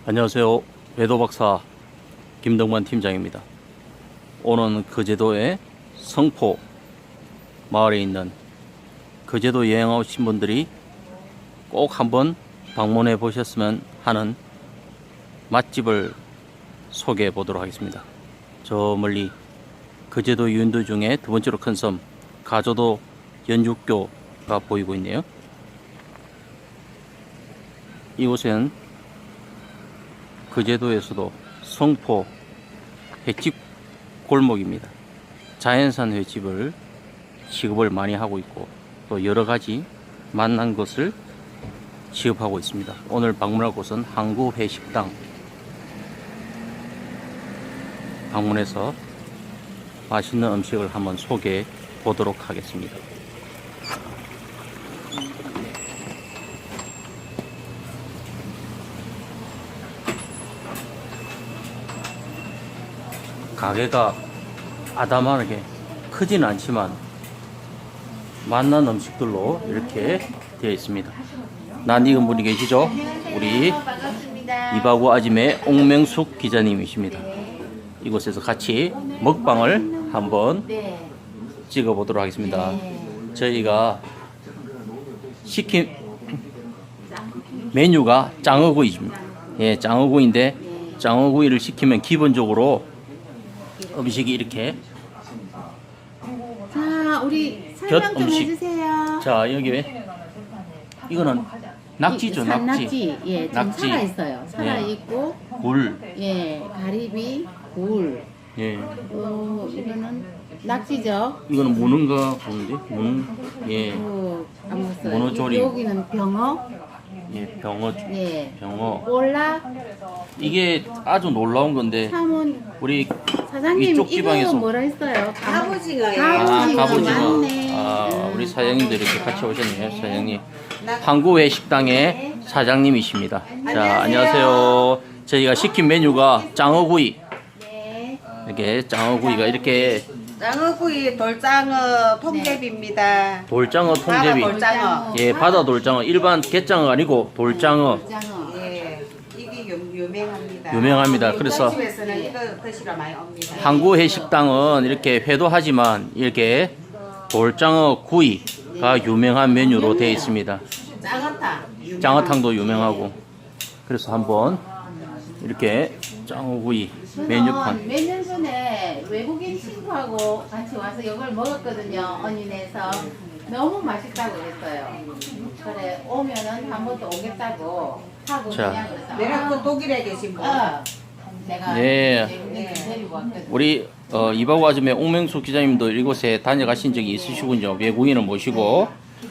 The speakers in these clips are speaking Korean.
안녕하세요. 외도박사 김동관 팀장입니다. 오늘은 거제도의 성포 마을에 있는 거제도 여행 오신 분들이 꼭 한번 방문해 보셨으면 하는 맛집을 소개해 보도록 하겠습니다. 저 멀리 거제도 유인도 중에 두 번째로 큰 섬 가조도 연륙교가 보이고 있네요. 이곳은 거제도에서도 성포 횟집 골목입니다. 자연산 횟집을 취급을 많이 하고 있고 또 여러가지 맛난 것을 취급하고 있습니다. 오늘 방문할 곳은 항구회식당 방문해서 맛있는 음식을 한번 소개해 보도록 하겠습니다. 가게가 아담하게 크진 않지만 맛난 음식들로 이렇게 되어 있습니다. 낯익은 분이 계시죠? 우리 이바구 아짐의 옥명숙 기자님이십니다. 이곳에서 같이 먹방을 한번 찍어 보도록 하겠습니다. 저희가 시킨 메뉴가 장어구이입니다. 예, 장어구이인데 장어구이를 시키면 기본적으로 음식이 이렇게 자, 우리 설명 좀 해주세요. 자, 여기 이거는 낙지죠, 낙지. 예, 좀 낙지. 살아 있어요. 살아 있고, 굴. 예, 가리비, 굴. 예. 이거는 낙지죠. 이거는 문어인가 보는데, 예, 문어조림. 여기는 병어. 예, 병어, 예. 병어. 볼락. 이게 아주 놀라운 건데 사문. 우리 사장님 이쪽 지방에서 이거 뭐라 했어요? 갑오징어예요. 갑오징어. 맞네. 우리 사장님도 이렇게 같이 오셨네요. 사장님. 항구회식당의 사장님이십니다. 자, 안녕하세요. 저희가 시킨 메뉴가 장어구이. 네. 이렇게 장어구이가 이렇게 장어구이 돌장어 통제비입니다. 돌장어 통제비. 돌장어. 예, 바다 돌장어. 일반 갯장어 아니고 돌장어. 장어. 예, 이게 유명합니다. 유명합니다. 그래서 집에서는 이거 드시러 많이 옵니다. 항구회식당은 이렇게 회도 하지만 이렇게 돌장어 구이가 유명한 메뉴로 되어 있습니다. 장어탕. 장어탕도 유명하고. 그래서 한번 이렇게 장어구이 메뉴판. 몇 년 전에 외국인 친구하고 같이 와서 이걸 먹었거든요. 언니네에서 너무 맛있다고 그랬어요. 그래 오면은 한 번 더 오겠다고 하고 자. 그냥 그래서 내가 그 독일에 계신 분. 내가 네. 외국인 데리고 왔거든. 우리 이바구 아줌의 옥명숙 기자님도 이곳에 다녀가신 적이 있으시군요. 외국인을 모시고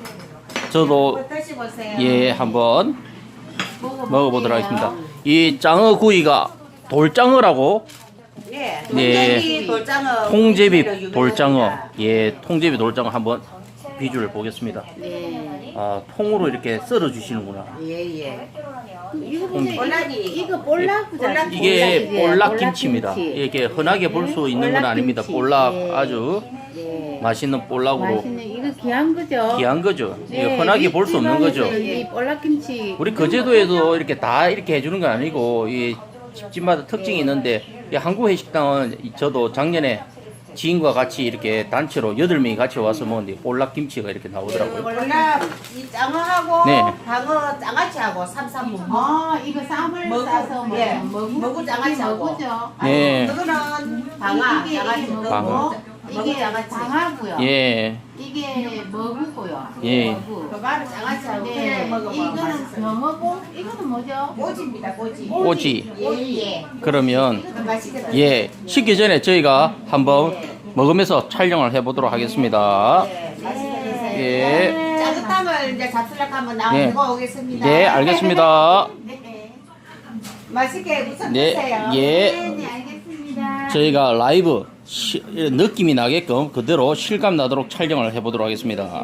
저도 드셔보세요. 예 한번 먹어보도록 먹어볼게요. 하겠습니다. 이 장어구이가 돌장어라고 예, 네. 통제비 돌장어. 통제비 구이로 돌장어. 유명합니다. 예, 통제비 돌장어 한번 비주를 보겠습니다. 네. 아, 통으로 이렇게 썰어 주시는구나. 예, 예. 이거 보세요. 볼락이. 이거 볼락이잖아요. 이게 볼락이지. 볼락김치입니다. 볼락김치. 이게 흔하게 볼 수 있는 건 아닙니다. 볼락김치. 볼락 예. 아주 네. 맛있는 볼락으로 맛있네. 이거 귀한 거죠. 귀한 거죠. 네, 이게 흔하게 볼 수 없는 거죠. 이 볼락김치. 우리 거제도에도 이렇게 다 이렇게 해주는 건 아니고 이 집집마다 특징이 있는데 이 항구회식당은 저도 작년에 지인과 같이 이렇게 단체로 8명이 같이 와서 먹는데 볼락김치가 이렇게 나오더라고요. 볼락 이 장어하고 네. 방어 장아찌하고 삼삼 이거 쌈을 머구, 싸서 먹으면 예, 머구. 머구 이게 장아찌하고. 머구죠. 네. 그거는 방아, 이게 장아찌 머구. 방어. 이게 장하고요. 예, 이게 머구고요. 예. 머구. 그거는 장아찌하고 네, 그래 먹으면 이거는 맛있어요. 병어고, 이거는 뭐죠? 꼬지입니다, 꼬지. 꼬지. 예. 그러면 이것도 맛있게 예, 식기 전에 저희가 한번 먹으면서 촬영을 해보도록 하겠습니다. 네, 맛있게 드세요. 예. 짜장탕을 이제 잡수락 한번 네. 나오고 오겠습니다. 네, 알겠습니다. 네. 맛있게 우선 네, 드세요. 예. 네, 알겠습니다. 저희가 라이브 느낌이 나게끔 그대로 실감 나도록 촬영을 해보도록 하겠습니다.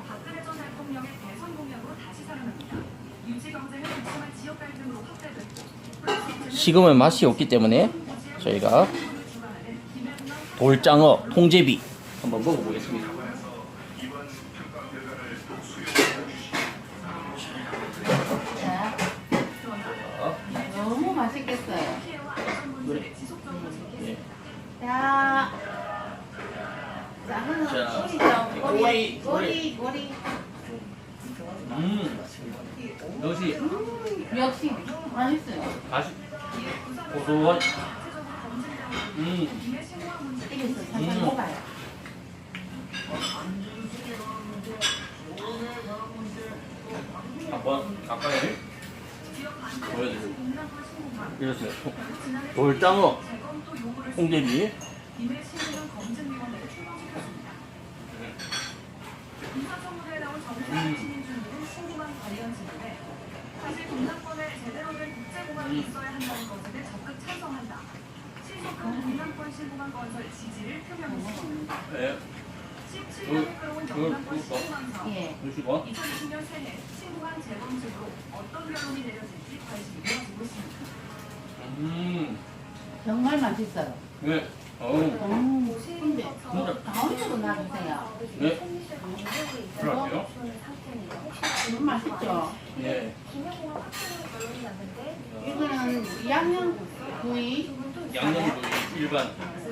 식으면 맛이 없기 때문에 저희가 돌장어 통제비 한번 먹어보겠습니다. 자, 너무 맛있 그래. 예. 자, 작은 자, 꼬리죠. 꼬리, 꼬리. 역시 역시 맛있어요. 다시 고소한. 이래서 살살 먹어요. 한번 가까이 보여드릴게요. 이렇습니다. 돌장어, 홍제비. 사실 동남권에 제대로 된 국제공항이 있어야 한다는 것에 적극 찬성한다. 신속한 동남권 신공항 건설 지지를 표명했습니다. 네. 17년에 끌어온 영남권 신공항 사업. 예. 보시고. 2020년 새해 신공항 재건축으로 어떤 결론이 내려질지 관심이 모아지고 있습니다. 정말 맛있어요. 네. 근데 가운데도 놔주세요. 네. 들어갈게요. 너무 맛있죠? 예. 이거는 양념구이, 양념구이 일반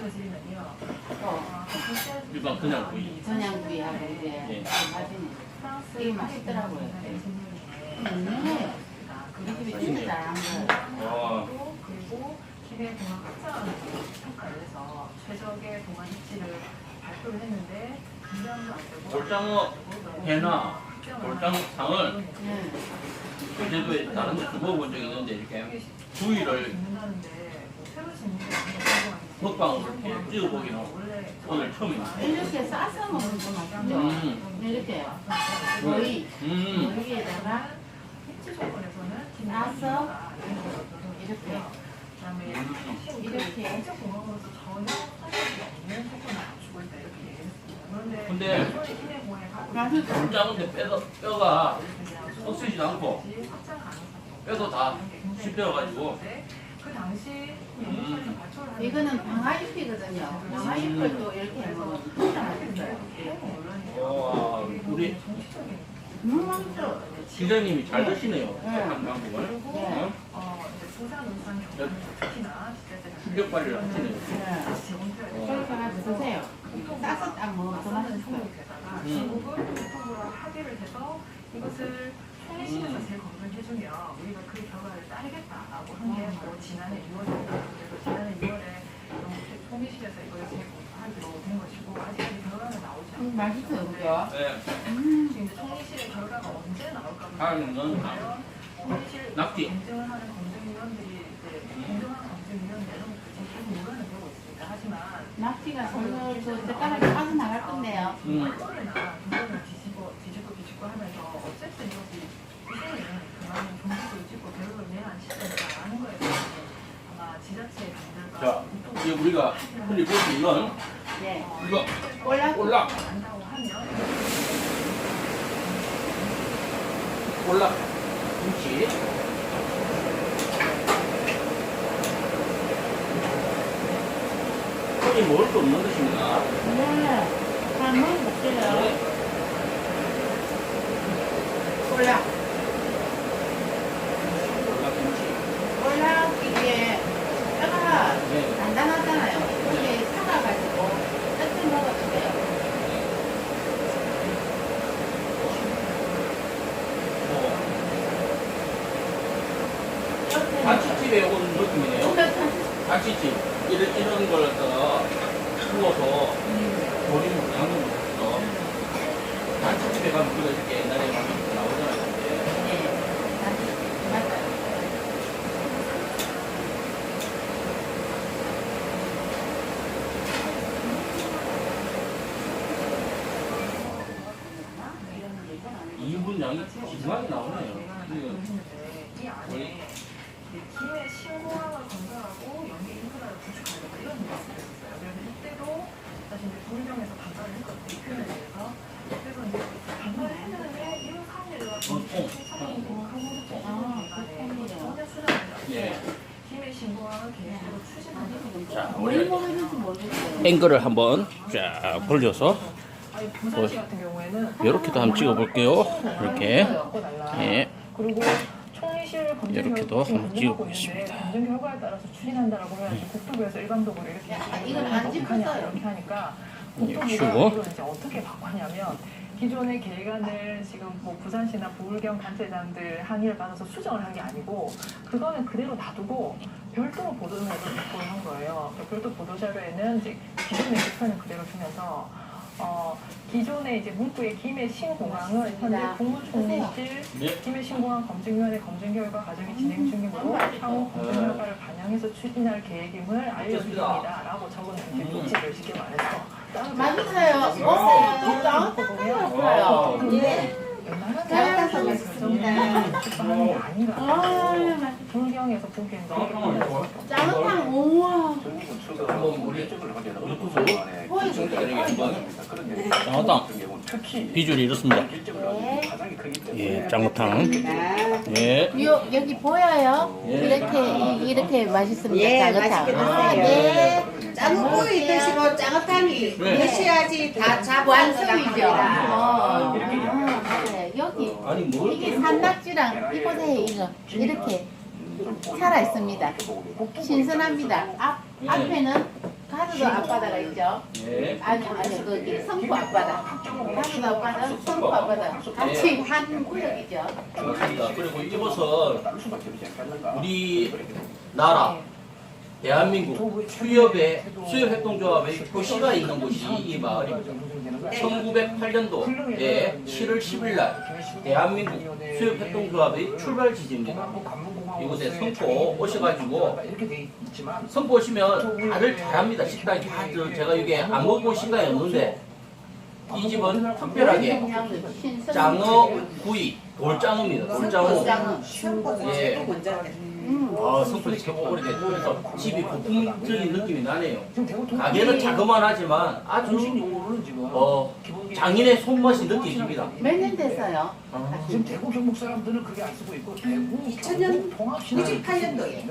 또 일반 그냥 구이. 전양구이하고 이제 예. 맛있는 되게 맛있더라고요. 네. 우리 집에 진짜 잘한 거예요. 와. 그리고 기내 공항 확장 평가에서 최적의 공항 입지를 발표를 했는데 분량도 안 되고 돌장어 회나 돌장상을 네. 제주도에 다른 데 주워 본 적이 있는데 이렇게 구이를 짓는다는데 새로 짓는 게 먹방으로 이렇게 찍어보기는 오늘 처음입니다. 이렇게 싸서 먹으면 더 맛있죠? 이렇게 거의 여기에다가 입지 조건에서는 싸서 이렇게 이렇게 공항으로서 전혀 사실이 없는 조건을 갖추고 있다 이렇게 얘기했습니다. 그런데 근데 기내 공항에 가고 맛있어. 돌장어인데 뼈가 썩지지 않고 확장 가능성이 뼈도 다 씹혀가지고 그 당시 발표를 하는 이거는 방아잎이거든요. 방아잎을 또 이렇게 해먹으면 진짜 맛있어요. 와 우리 너무 맛있어. 기자님이 잘 드시네요. 네. 한 방법을. 네. 부산 울산 경남 특히나 충격 발휘를 하시네요. 네. 그렇게 하나 드세요. 싸서 딱 먹으면 더 맛있어요. 중국은 교통부랑 합의를 해서 이것을 총리실에서 재검토해주면 우리가 그 결과를 따르겠다라고 한 게 바로 지난해 6월입니다. 그래서 지난해 6월에 총리실에서 이걸 재검토하기로 된 것이고 아직까지 결과는 나오지 않았습니다. 맛있어요, 그죠? 네. 지금 이제 총리실의 결과가 언제 나올까 다음은 총리실 낙지. 검증을 하는 검증위원들이 이제 공정한 검증위원회는 지금 계속 논란을 되고 있습니다. 하지만 낙지가 설명 그 젓가락이 빠져나갈 건데요. 얼굴이나 등등을 뒤집고 하면서 어쨌든 이것이 이제는 그만한 종지도 짓고 배우를 내한 시스템이라는 거에 대해서 아마 지자체 분들과 자, 이제 우리가 흔히 볼 수 있는 네. 이거 올라 올락, 안다고 하면 올락 김치. 손이 먹을 수 없는 것입니다. 네. 잘 먹어볼게요. 올라. 올락 김치. 올라 이게 뼈가 네. 단단하잖아요. 이게 사가가지고 뜯어 먹어도 돼요. 이렇게 잔치집에 온 느낌이네요. 먹으면 잔치집. 이런 걸 갖다가 구워서 조림 양념을 해서 잔치집에 가면 우리가 이렇게 옛날에 막 나오잖아요. 맞아요. 이분 양이 지중하게 나오네요. 이 안에 기내 신공항을 건설하고 연계 인프라를 구축하려고 이런 말씀을 했어요. 그래서 이때도 사실 이제 도의령에서 반발을 했거든요. 이 표현에 대해서. 그래서 이제 반발을 했는데 이런 사례가 전혀 수정을 예. 기내 신공항을 계획으로 추진하는 자, 뭘 원래 먹을지 모르겠어요. 앵글을 한번 쫙 돌려서 아니 부산시 같은 경우에는 이렇게도 한번 찍어볼게요. 이렇게. 예. 그리고 총리실 사실 검증 이렇게도 결과 한번 검증하고 찍어보겠습니다. 있는데 검증 결과에 따라서 추진한다라고 해야지 국토부에서 일반적으로 이렇게 이건 안 찍혔어요. 이렇게 하니까 예, 국토부가 쉬고. 이걸 이제 어떻게 바꿨냐면 기존의 계획안을 지금 뭐 부산시나 부울경 단체장들 항의를 받아서 수정을 한 게 아니고 그거는 그대로 놔두고 별도로 보도자료를 발표를 한 거예요. 별도 보도자료에는 이제 기존의 목표는 그대로 두면서 기존의 이제 문구의 김해 신공항은 현재 국무총리실 네. 김해 신공항 검증위원회 검증 결과 과정이 진행 중이므로 향후 검증 결과를 반영해서 추진할 계획임을 알려드립니다라고 적은 이제 조치를 쉽게 말해서 맛있어요. 짱짱해요. 예. 잘 따서 맛있습니다. 출판하는 게 아니라 아, 불경에서 보기엔 너무 짱짱 우와. 짱어탕 비주얼이 이렇습니다. 예, 짱어탕. 예. 여기 보여요? 이렇게 맛있습니다. 예, 짱어탕. 맛있게 아, 드세요. 네. 짱구이 드시고 짱어탕이 네. 드셔야지 다 잡고 완성이죠. 합니다. 네, 여기 아니 뭘? 이게 산낙지랑 이곳에 이거 이렇게 살아 있습니다. 신선합니다. 앞에는 가수도 앞바다가 있죠. 예. 아니 거기 성포 앞바다. 가수도 앞바다, 성포 앞바다 같이 한 구역이죠. 좋습니다. 그리고 이곳은 우리 나라 대한민국 수협협동조합의 표시가 있는 곳이 이 마을입니다. 1908년도에 7월 10일 날 대한민국 수협협동조합의 출발 지지입니다. 이곳에 성포 오셔가지고 성포 오시면 다들 잘합니다. 식당이 다 제가 이게 안 먹어본 식당이 없는데 이 집은 특별하게 장어 구이 돌장어입니다. 돌장어. 예. 성포에 제법 오래됐고 그래서 집이 고풍적인 느낌이 나네요. 가게는 자그만하지만 아주 장인의 손맛이 느껴집니다. 몇 년 됐어요? 지금 대구 경북 사람들은 그게 안 쓰고 있고 대구 2000년, 통합시나 98년도에.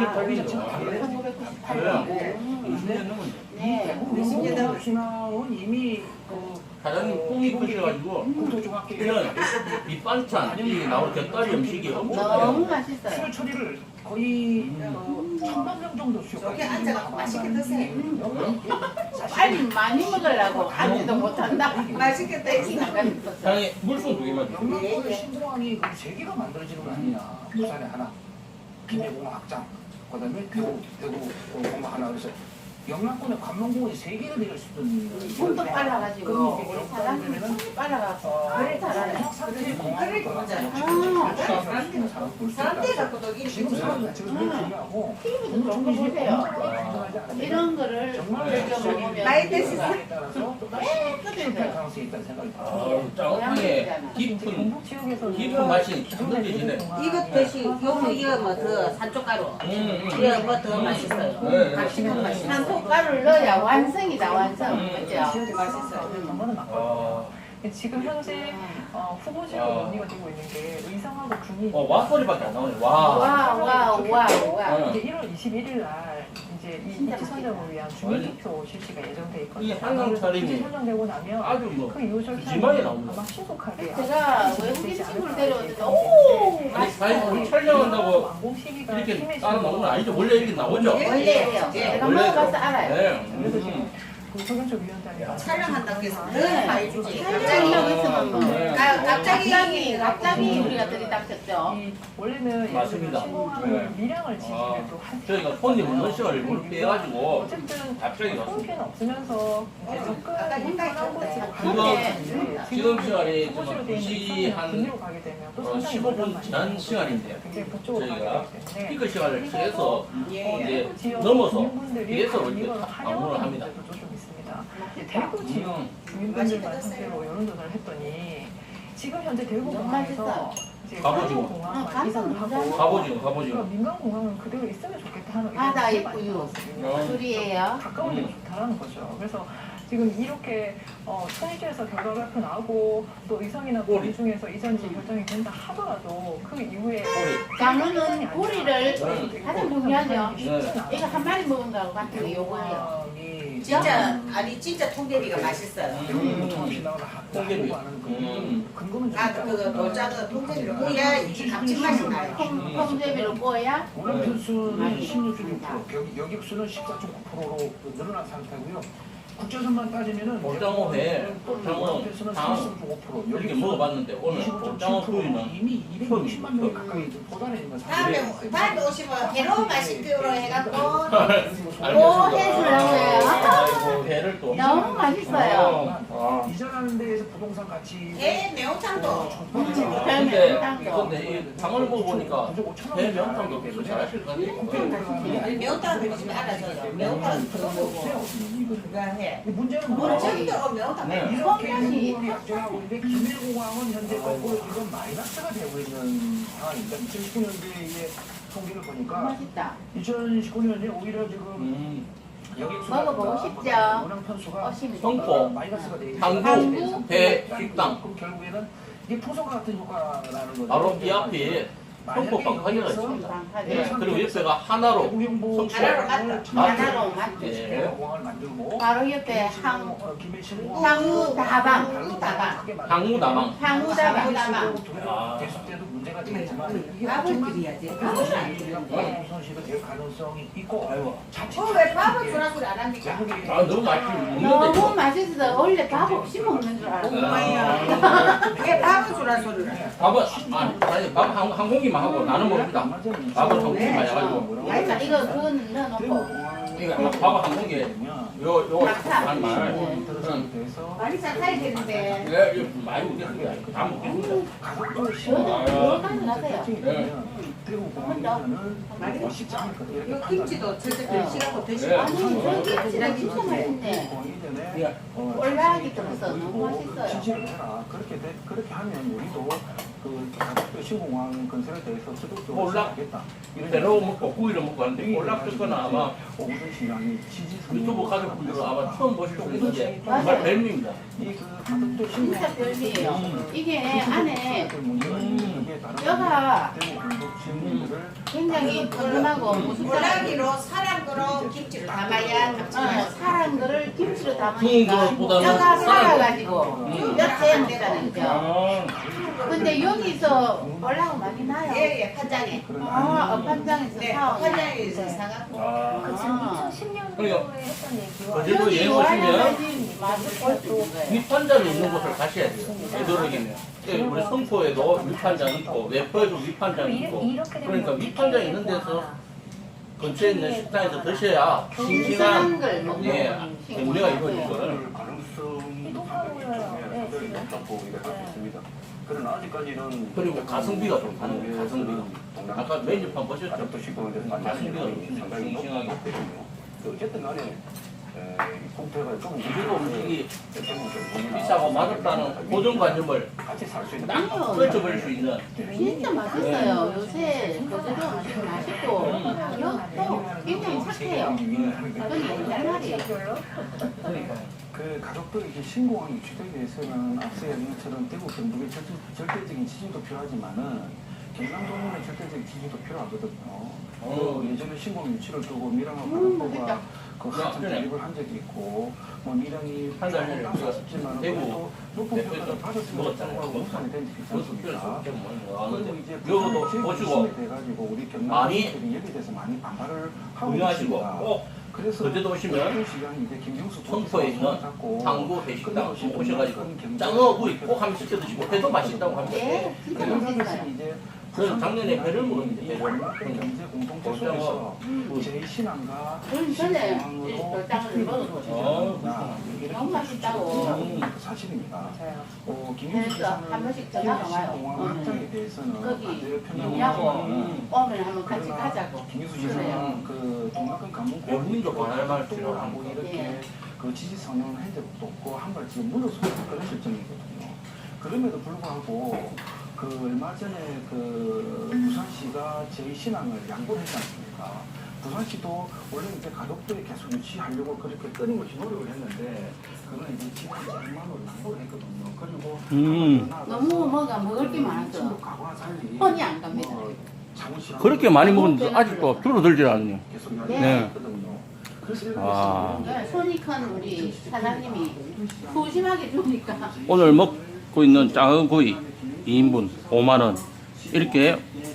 네. 대구 통합시나는 이미 사장님 뽕이 크셔가지고 국토종합계획 이런 밑반찬 이 나올 곁다리 음식이 엄청 너무 많아요. 맛있어요. 수요 처리를 거의 1000만 명 정도 수요. 여기 앉아서 맛있게 드세요. 빨리 많이 먹으려고 앉지도 못한다. 맛있겠다. 사장님 물총 2개만 주세요. 영남권의 신공항이 그 3개가 만들어지는 거 아니냐. 부산에 하나, 김해공항 확장, 그다음에 대구 공항 하나. 그래서 영남권에 관광공원이 3개가 되어 있었던 손도 빨라가지고 우리 사장님 손이 빨라가지고 그래 잘하네. 사람들 갖고 도 지금 사람들 지금 너무 중요하고 TV도 좀 보세요. 이런 거를 즐겨 먹으면 많이 드시죠? 따라서 깨끗해져요. 가능성이 있다는 생각이 듭니다. 짱어탕의 깊은 경북 지역에서 깊은 맛이 참 느껴지네. 이것 대신 요거 이거 뭐 더 산초가루 이거 뭐 더 맛있어요. 네. 감식한 맛이 산소가루를 넣어야 완성이다 완성. 그죠? 지역에 맛있어요. 그거는 맞거든요. 지금 현재 후보지로 논의가 되고 있는 게 의성하고 군이 와소리밖에 안 나오네. 와. 와. 이제 1월 21일 날 이제 이 입지 선정을 위한 주민투표 실시가 예정돼 이 있거든요. 한강 차림이 입지 선정되고 나면 아주 뭐 그 이후 절차는 푸짐하게 나옵니다. 아마 신속하게 제가 외국인 친구를 데려왔는데 오 아니 사장님 촬영한다고 완공 시기가 이렇게 따로 나오는 거 아니죠? 원래 이렇게 나오죠? 원래예요. 제가 먹어봐서 알아요. 네. 그래서 지금 그 서경철 위원장이 촬영한다고 해서 네. 늘 해주지. 촬영한다고 했으면 뭐 네. 갑자기 우리가 들이닥쳤죠. 이 원래는 맞습니다. 신공항을 밀양을 지기를 아, 또한 저희가 손님 없는 시간을 일부러 빼가지고 어쨌든 갑자기 왔습니다. 손해는 없으면서 이제 접근하기 편한 곳으로 지금 가는데 지금 시간이 좀 후보지로 되어 2시 있는 한 군으로 가게 되면 또 상당히 15분 지난 시간인데요. 굉장히 북쪽으로 가게 저희가 되기 때문에 피크 시간을 피해서 예. 이제 지역 넘어서 주민분들이 뒤에서 과연 이렇게 이걸 방문을 환영하는 합니다. 문제도 좀 있습니다. 대구 지역 주민분들만 상대로 여론조사를 했더니 지금 현재 대구 너무 공항에서 맛있어요. 이제 갑오징어. 공항 감성 이사를 하고 너무 가보지요, 그러니까 가보지요. 민간 공항은 그대로 있으면 좋겠다 하는 바다 의견이 많이 있고요. 나왔거든요. 둘이에요. 가까운 데가 좋다라는 거죠. 그래서 지금 이렇게 통일주에서 결과 발표 나오고 또 의성이나 고리 중에서 이전지 결정이 된다 하더라도 그 이후에 장어는 고리를 가장 중요하죠. 네. 이거 한 마리 먹은다고 같은 거 요거예요. 공항이 진짜 아니 진짜 통계비가 맛있어요. 통합시 나오는 통계비. 근거는 그거 돌짝은 통계비를 구워야 이 감칠맛이 나요. 통제비로 구워야 원래 편수는 16.6%, 여객수는 14.9%로 늘어난 상태고요. 국제선만 따지면은 볼장어회, 볼장어 편수는 장 33.5%, 이렇게 먹어봤는데 오늘 볼장어 25.7%, 구이는 이미 260만 명 가까이 도달해 있는 상태예요. 다음에 오시면 해로 맛있기로 해갖고 오 해주려고요. 아이고 회를 또 너무 맛있어요. 아. 이전하는 데에서 부동산 가치 해 매운탕도 근데 이 장을 먹어보니까 회 명탕도 계속 잘하실 것 같아요. 아니 매운탕 먹으면 알아서요. 매운탕 그거 먹고 그거 해. 문제는 우리 뭐냐? 전도 매운탕 네. 이렇게 성향이- 공항이 약정하고 있는데 김일공항은 현재 거꾸로 지금 마이너스가 되고 있는 상황입니다. 2019년도에 통계를 보니까 맛있다. 2019년에 오히려 지금 여객수가 먹어보고 싶죠? 운항 편수가 어심이 성포, 마이너스가 돼 항구, 배, 식당. 그럼 결국에는 이게 포석 같은 효과라는 거죠. 바로 이 앞에 성포 방파제가 있습니다. 방파제. 그리고 옆에가 하나로 대구경보 하나로 맞죠? 예. 공항을 만들고 바로 옆에 김해신공 항우다방. 항우다방. 항우다방. 됐을 때도 문제가 되겠지만 밥을 드려야지. 우선시가 될 가능성이 있고 자칫 왜 밥을 주라 소리 안 합니까? 아 너무 맛있게 먹는데 너무 맛있어서 원래 밥 없이 먹는 줄 알았어요. 왜 밥을 주라 소리를 해? 밥은 아니 밥 한 공기만 하고 나는 먹습니다. 밥은 한 공기만 해가지고 그러니까 이거 그건 넣어놓고 이거 밥 한 공기 요거 한 말. 많이 잘 되는데. 네, 이거 많이 먹겠습니다. 다 먹겠습니다. 여기까지 넣으세요. 대구 공항에서는 쉽지 않을 거예요. 이렇게 이거 김치도 절대 별시라고 네. 드시고. 아니 저기 진짜 진짜 맛있네. 꼴라기 들어서 너무 맛있어요. 지지를 해라. 그렇게 하면 우리도 그 신공항 건설에 대해서 적극적으로 몰라. 하겠다. 배로 먹고 구이를 먹고 하는데 올락 듣거나 아마 오구전 시장이 지지 유튜브 가족분들은 아마 처음 보실 수 있는데 맞아요. 정말 별미입니다. 이그 가덕도 진짜 별미예요. 이게 안에 뼈가 뼈가 굉장히 푸짐하고 무슨 꼴라기로 사람 거로 김치를 담아야 감칠맛이 사람 거를 김치로 구운 담으니까 것보다는 뼈가 살아있고. 살아가지고 뼈째 먹자는 거죠. 아, 근데 여기서 올라가 많이 나요. 예예 판장에. 업판장에서 네 사온. 판장에서 사갖고. 아. 2010년도에 했던 얘기와 거제도 여기 여행 와야 오시면 맛을 볼 수 있는 거예요. 위판장이 있는 곳을 가셔야 돼요. 되도록이면. 우리 성포에도 위판장 있고 외포에도 위판장 있고 그러니까 위판장 있는 데서 근처에 있는 식당에서 드셔야 싱싱한 걸 먹는 예, 음식. 우리가 이거는 이거 보여요. 네, 지금. 그러나 아직까지는 그리고 가성비가 좀 다른 가성비가 아까 메뉴판 보셨죠? 가족도 시고 그래서 가성비가 상당히 싱싱하게 높거든요. 어쨌든 간에 국태가 조금 그리고 음식이 비싸고 맛없다는 고정관념을 같이 살 수 있는 딱 떨쳐버릴 수 있는 진짜 맛있어요. 요새 거제도 음식 맛있고 가격도 굉장히 착해요. 그건 옛날 말이에요. 그러니까 그 가덕도 이제 신공항 유치되기 위해서는 앞서 얘기한 것처럼 대구 경북의 절대적인 지지도 필요하지만은 경남도민의 절대적인 지지도 필요하거든요. 예전에 신공항 유치를 두고 미랑하고 가덕도가 그 한참 대립을 한 적이 있고 뭐 미랑이 한 달 전에 우리가 싶지만 대구 그래도 높은 평가를 받았으면 먹었잖아요. 좋겠다고 우선이 된 적이 있지 않습니까? 그리고 이제 이것도 보시고 돼가지고 우리 경남 많이 시민들이 여기에 대해서 많이 반발을 하고 운영하시고 있습니다. 꼭 그래서 거제도 오시면 시장이 이제 김경수 성포에 있는 항구 회식당 오셔가지고 짱어 구이 꼭 한번 시켜 드시고 회도 맛있다고 합니다. 네, 진짜 맛있어요. 저는 작년에 배를 먹었는데 배를 경제 공동체에서 제 신앙과 저는 전에 돌장을 먹었거든요. 너무 맛있다고. 사실입니다. 그래서 한 번씩 전화가 와요. 공항 확장에 대해서는 거기 반대를 영양고 표명하고 오면 한번 같이 가자고. 김유수 그래요. 지사는 그 동남권 관문 어머님도 반할말 하고 이렇게 예. 그 지지 선언을 한 적도 없고 한 발 지금 물러서 그런 실정이거든요. 그럼에도 불구하고 그 얼마 전에 그 부산시가 제2신앙을 양보를 했지 않습니까? 부산시도 원래 이제 가덕도에 계속 유치하려고 그렇게 끊임없이 노력을 했는데 그건 이제 지난 100만으로 양보를 했거든요. 그리고 너무 뭐가 먹을 게 많아서 과거와 달리 손이 안 갑니다. 자문실하고 그렇게 많이 먹었는데 아직도 줄어들질 않네요. 계속 네. 연락이 있거든요. 아, 네, 손이 큰 우리 사장님이 소심하게 주니까 오늘 먹고 있는 작은 구이 2인분 5만원. 이렇게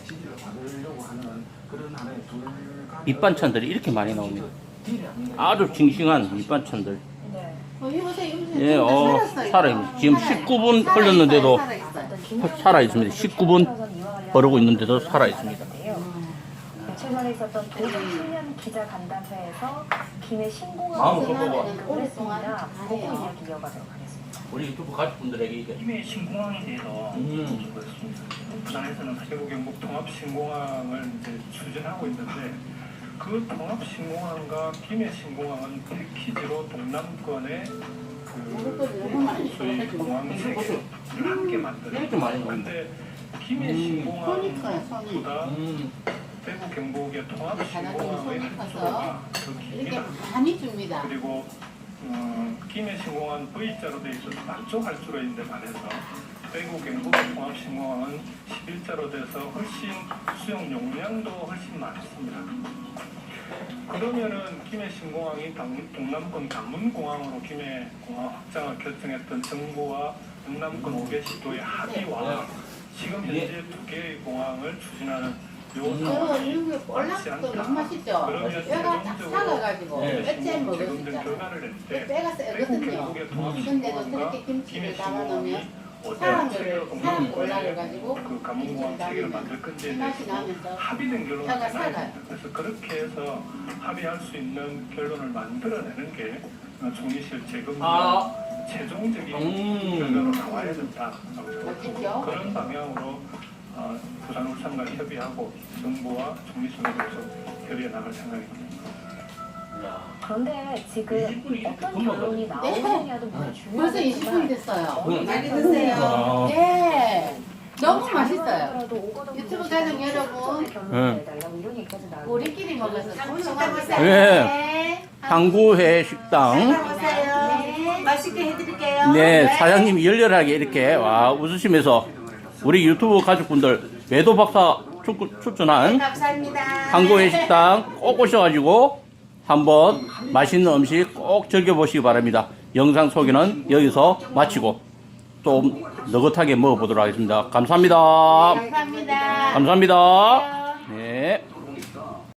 밑반찬들이 이렇게 많이 나옵니다. 아주 싱싱한 밑반찬들. 해보세요. 예, 살아있습니다. 지금 19분 흘렀는데도 살아있습니다. 19분 버르고 있는데도 살아있습니다. 며칠 전에 있었던 도전 기자 간담회에서 김해 신공항 마음 꺾어봐. 오랫동안 보고 이야기 이어가도록 하겠습니다. 우리 유튜브 가족분들에게 이게 김해 신공항에 대해서 물어보겠습니다. 부산에서는 사제부 경북 통합 신공항을 이제 추진하고 있는데 그 통합 신공항과 김해 신공항은 패키지로 동남권의 그 소위 공항 세계를 함께 만드는. 이렇게 많이 나옵니다. 근데 김해 신공항보다 대구 경북의 통합 신공항의 활주로가 더 이렇게 깁니다. 많이 줍니다. 그리고 김해 신공항은 V자로 돼 있어서 남쪽 활주로인데 반해서 대구 경북 통합 신공항은 11자로 돼서 훨씬 수용 용량도 훨씬 많습니다. 그러면은 김해 신공항이 동남권 관문공항으로 김해 공항 확장을 결정했던 정부와 동남권 5개 시도의 합의와 지금 현재 2개의 공항을 추진하는 이거 볼락도 너무 맛있죠? 뼈가 딱 작아가지고 뼈째 먹을 수 있잖아요. 결과를 낼때 뼈가 세거든요. 근데도 저렇게 김치를 담아놓으면 사람 볼락을 가지고 그 김치를 관문공항 체계를 만들 담으면 건지에 맛이 대해서 나면서 합의된 결론을 뼈가 내놔야 살아요. 됩니다. 그래서 그렇게 해서 합의할 수 있는 결론을 만들어내는 게 종이실 재검과 최종적인 결과로 나와야 된다. 맞겠죠? 그런 방향으로 부산 울산과 협의하고 정부와 종이실에 대해서 협의해 나갈 생각입니다. 그런데 지금 어떤 결론이 나오느냐도 굉장히 벌써 중요하지만 20분이 됐어요. 많이 드세요. 네. 너무 맛있어요. 하더라도 오거돈 유튜브 가족 여러분, 결론을 내달라고 이런 얘기까지 나오고 우리끼리 먹어서 예. 항구회 식당. 네. 맛있게 해드릴게요. 네, 사장님이 열렬하게 이렇게 웃으시면서 우리 유튜브 가족분들 매도 박사 추천한 감사합니다. 항구회 식당 꼭 오셔가지고 한번 맛있는 음식 꼭 즐겨보시기 바랍니다. 영상 소개는 여기서 마치고 좀 느긋하게 먹어보도록 하겠습니다. 감사합니다. 감사합니다. 감사합니다. 네.